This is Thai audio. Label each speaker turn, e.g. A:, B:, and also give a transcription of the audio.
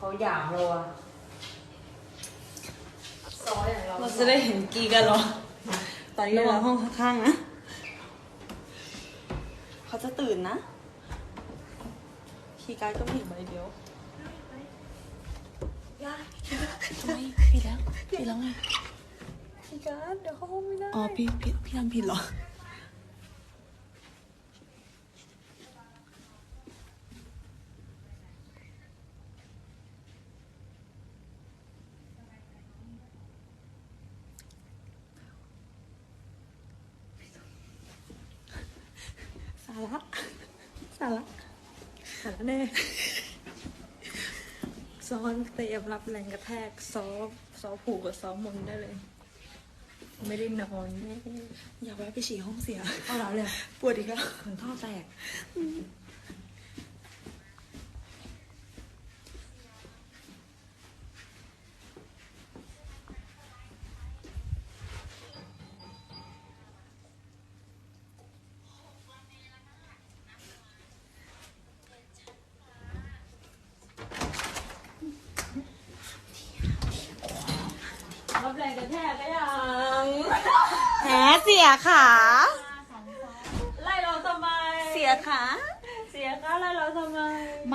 A: เขาหยามเราอะซอยอย่างเรา
B: เราจะได้เห็นกีกันเหรอ ตอนนี้เราห้องข้างๆนะ เขาจะตื่นนะ คีย์การ์ดก็มีอยู่ใบเดียวทำไมผิดแล้วไง คีย์การ์ดเดี๋ยวเข้าห้องไม่ได้ อ๋อพี่ทำผิดเหรอ สาระแน่ซ้อนเตรียมรับแรงกระแทกซ้อผูกกับซ้อมนได้เลย
A: ไม่ได้นอน
B: อยากแวะไปฉี่ห้องเสีย
A: เอาแล้วเลย
B: ปวดอีกแล้ว
A: เหมือนท่อแตกรับแรงกระแทกก็ยัง
B: แหมเสียขา
A: ไล่เราทำไม
B: เสียขา
A: เสียค่าไล่เราทำไม